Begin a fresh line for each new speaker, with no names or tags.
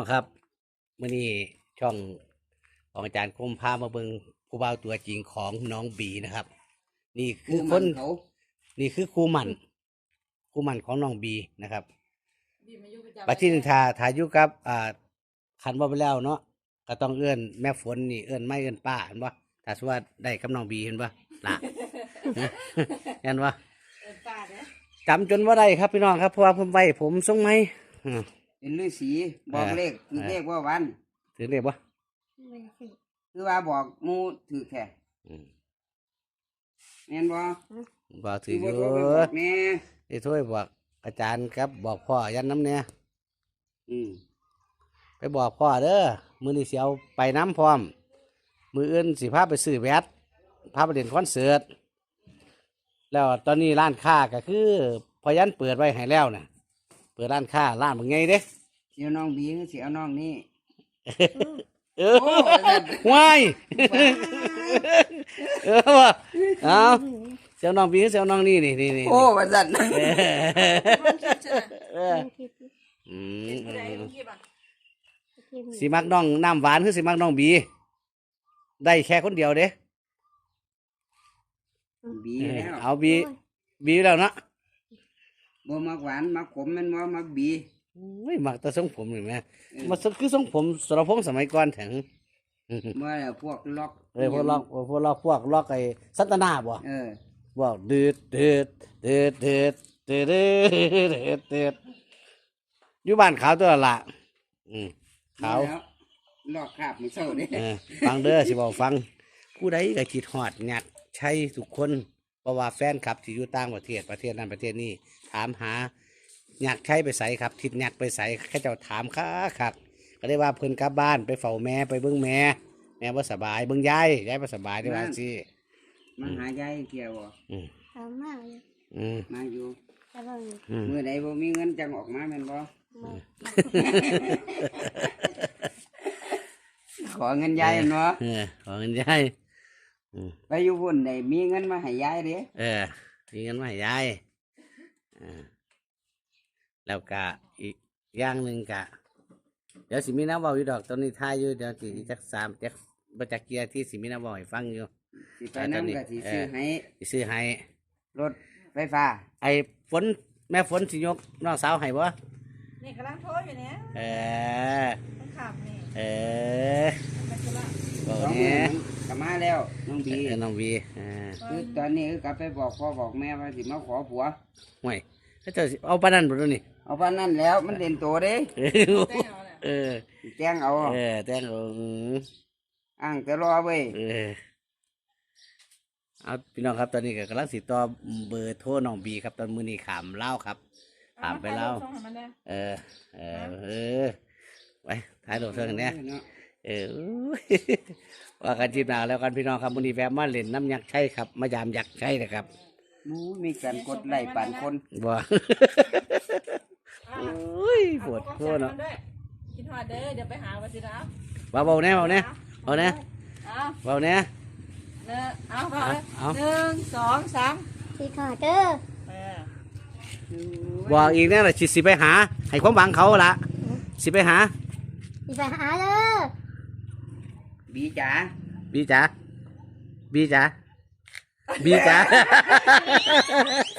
องครับมื้อนี้ช่องของอาจารย์คมพามาเบิ่งผู้บ่าวตัวจริงของน้องบีนะครับ นี่คือคนนี่คือครูหมั่นของน้องบีนะครับปัจจุบันถ้าอยู่กับคันบ่ไปแล้วเนาะก็ต้องเอื้อนแม่ฝนนี่เอื้อนไม่เอื้อนป้าเห็นบ่ถ้าสมมุติว่าได้กับน้องบีเห็นบ่ล่ะ เห็นบ่จำจนว่าได้ครับพี่น้องครับเพราะว่าผมไว้ผมทรงไหม
เป็นฤาษีบอกเลขคือเลขว่าวัน
ถือเรียกว่า
คือว่าบอกหมูถือแค่แม่นบ่
บอกถือ
บ่
อยู่
บอกแม่
ไอ้ถ้วยบอกอาจารย์ครับบอกพ่อยันน้ำเนี่ยไปบอกพ่อเด้อมือนี่เสียวไปน้ำพร้อมมืออื่นสิพาไปซื้อแวดพาไปเล่นคอนเสิร์ตแล้วตอนนี้ร้านค้าก็คือพอยันเปิดไว้ให้แล้วนะเปิดร้านค้าร้านเป็นไงเด้
เสียวน้องบีคือเสียวน้องนี่
เออว้ายว่ะเอาเสียวน้องบีเสียวน้องนี่นี่
โอ้ว่าซั่น
สิมักน้องน้ำหวานคือสิมักน้องบีได้แค่คนเดียวเด้
บีแล้ว
เอาบีแล้วเนาะ
บ่มักหวานมักขมแม่นบ่มักบี
ไม่มักแต่ทรงผมเห็นไหมมันคือทรงผมสรพงษ์สมัยก่อนแถง
บ่แล้วพวกล็อก
พวกล็อกไอ้สัตนาบ่บอกดืดอยู่บ้านขาวตัวละขาว
ลอกคราบมื้อเช้าเด้
ฟังเด้อสิบอกฟังผู้ใดก็คิดฮอดอยากใช้ทุกคนเพราะว่าแฟนคลับที่อยู่ต่างประเทศนั้นประเทศนี้ถามหาอยากใช้ไปใส่ครับทิศอยากไปใส่แค่เจ้าถามคักก็ได้ว่าเพิ่นกลับบ้านไปเฝ้าแม่ไปเบิ่งแม่บ่สบายเบิ่งยายบ่สบายได้ว่าสิ
มาหายายเกี่ยวบ่
เอามากเลย
มาอยู่
แต่ว่า
มื้อใดบ่มีเงินจังออกมาแม่นบ่ขอเงินยายเนาะ
ขอเงินยาย
ไปอยู่พุ่นได้มีเงินมาให้ยายเด้
มีเงินมาให้ยายแล้วก็อีกอย่างหนึ่งกะเดี๋ยวสิมีน้ำเบาอยู่ดอกตอนนี้ทายอยู่เดี๋ยวสิจักบัจักเกียร์ที่สิมีน้ำเบาให้ฟังอยู่
สิไปนำก็สิซื้อให้
ซื้อให้
รถไฟฟ้า
ไอ้ฝนแม่ฝนสิยกน้องสาวให้บ่
นี่กำลังโทรอยู่เนี่ย ต้องขับนี่ ไปธุระ
บอก
สอง
เนี่
มื้
ย
อกลับมาแล้วน้องบี
น้องบี
คือตอนนี้คือกลับไปบอกพ่อบอกแม่ว่าสิมาขอผัว
ห่วยถ้าเจ้าสิเอาปานนั้นบ่ตัวนี้
เอาปานนั้นแล้วมันเด่นโตเด้
แต่งเอาเนี่ย
แจ้งเอา
แต่งเอา
อ้างแต่รอเว้ย
เอาพี่น้องครับตอนนี้ก็กำลังสิต่อเบอร์โทรน้องบีครับตอนมื้อนี้ขามเล่าวครับขามไปเล่าว
ส่งให้มันเนี่ย
ไปถ่ายรูปเท่ากันเนี่ยว่ากันจีบหนาแล้วกันพี่น้องครับมื้อนี้แวะมาเล่นน้ำยักษ์ใช่ครับมายามยักษ์ใช่นะครับ
มูมีการกดไล่ปานคน
บ่ โอ้ยปวดโคตรเนาะ
คิดฮอดเด้อเดี๋ยวไปหาวัชิระ
เบาๆแน่เบาๆแน่
เอา
เบาๆแน่
เอาพอเลย1 2 3
สีขอเด้อ
บอกอีกแน่ละสิไปหาให้ความหวังเขาละสิไปหา
สีไปหาเด้อ
บีจ๋า
บีจ๋าบีจ๋า